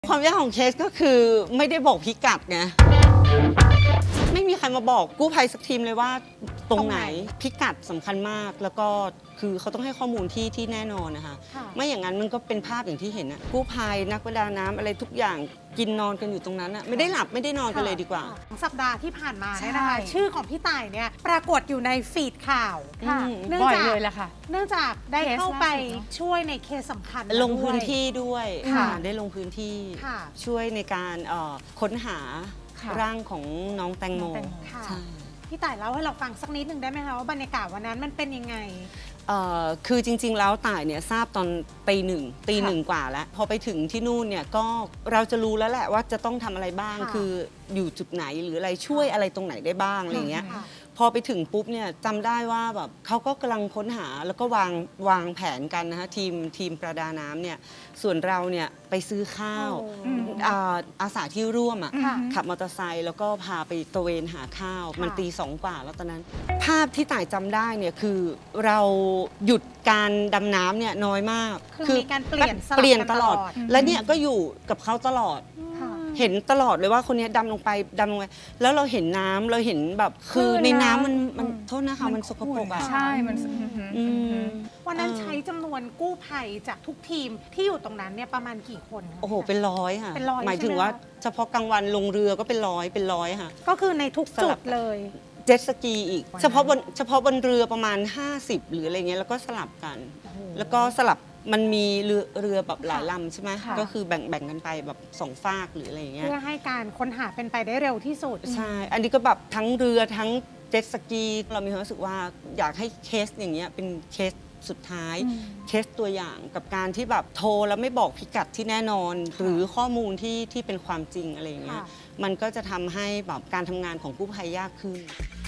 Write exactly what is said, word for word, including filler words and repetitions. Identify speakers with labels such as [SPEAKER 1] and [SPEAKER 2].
[SPEAKER 1] ความยากของเคสก็คือไม่ได้บอกพิกัดไงไม่มีใครมาบอกกู้ภัยสักทีมเลยว่าตรงไหนพิกัดสำคัญมากแล้วก็คือเขาต้องให้ข้อมูลที่ที่แน่นอนนะคะไม่อย่างนั้นมันก็เป็นภาพอย่างที่เห็นนะกู้ภัยนักประดาน้ำอะไรทุกอย่างกินนอนกันอยู่ตรงนั้นอะไม่ได้หลับไม่ได้นอนกันเลยดีกว่า
[SPEAKER 2] สัปดาห์ที่ผ่านมาเนี่ยนะคะชื่อของพี่ต่ายเนี่ยปรากฏอยู่ในฟีดข่าวเนื่องจากเลยแหละค่ะเนื่องจากได้เข้าไปช่วยในเคสสำคัญ
[SPEAKER 1] ลงพื้นที่ด้วยได้ลงพื้นที่ช่วยในการค้นหาร่างของน้องแตงโมใช่
[SPEAKER 2] พี่ต่ายเล่าให้เราฟังสักนิดหนึ่งได้ไหมคะว่าบรรยากาศวันนั้นมันเป็นยังไง
[SPEAKER 1] คือจริงๆแล้วต่ายเนี่ยทราบตอนตีหนึ่งตีหนึ่งกว่าแล้วพอไปถึงที่นู่นเนี่ยก็เราจะรู้แล้วแหละว่าจะต้องทำอะไรบ้างคืออยู่จุดไหนหรืออะไรช่วยอะไรตรงไหนได้บ้างอะไรเงี้ยพอไปถึงปุ๊บเนี่ยจำได้ว่าแบบเขาก็กำลังค้นหาแล้วก็วางวางแผนกันนะคะทีมทีมประดาน้ำเนี่ยส่วนเราเนี่ยไปซื้อข้าวอาสาที่ร่วมอ่ะขับมอเตอร์ไซค์แล้วก็พาไปตระเวนหาข้าวมันตีสองกว่าแล้วตอนนั้นภาพที่ต่ายจำได้เนี่ยคือเราหยุดการดำน้ำเนี่ยน้อยมาก
[SPEAKER 2] คือมีการเปลี่ยน
[SPEAKER 1] เปลี่ยนตลอดและเนี่ยก็อยู่กับเขาตลอดเห็นตลอดเลยว่าคนนี้ดำลงไปดำลงไปแล้วเราเห็นน้ำเราเห็นแบบคือในน้ำมันมันโทษนะคะมันสกปรกอ่ะ
[SPEAKER 3] ใช่มัน
[SPEAKER 2] วันนั้นใช้จำนวนกู้ภัยจากทุกทีมที่อยู่ตรงนั้นเนี่ยประมาณกี่คน
[SPEAKER 1] โอ้โหเป็นร้อยค่ะหมายถึงว่าเฉพาะกลางวันลงเรือก็เป็นร้อยเป็นร้อยค่ะ
[SPEAKER 2] ก็คือในทุกจุดเลย
[SPEAKER 1] เจ็ตสกีอีกเฉพาะบนเฉพาะบนเรือประมาณห้าสิบหรืออะไรเงี้ยแล้วก็สลับกันแล้วก็สลับมันมีเรือเรือแบบหลายลำใช่ไหมก็คือแบ่งแบ่งกันไปแบบสองฝากหรืออะไรอย่างเงี้ย
[SPEAKER 2] เพื่อให้การค้นหาเป็นไปได้เร็วที่สุด
[SPEAKER 1] ใช่อันนี้ก็แบบทั้งเรือทั้งเจ็ตสกีเรามีความรู้สึกว่าอยากให้เคสอย่างเงี้ยเป็นเคสสุดท้ายเคสตัวอย่างกับการที่แบบโทรแล้วไม่บอกพิกัดที่แน่นอนหรือข้อมูลที่ที่เป็นความจริงอะไรอย่างเงี้ยมันก็จะทำให้แบบการทำงานของกู้ภัยยากขึ้น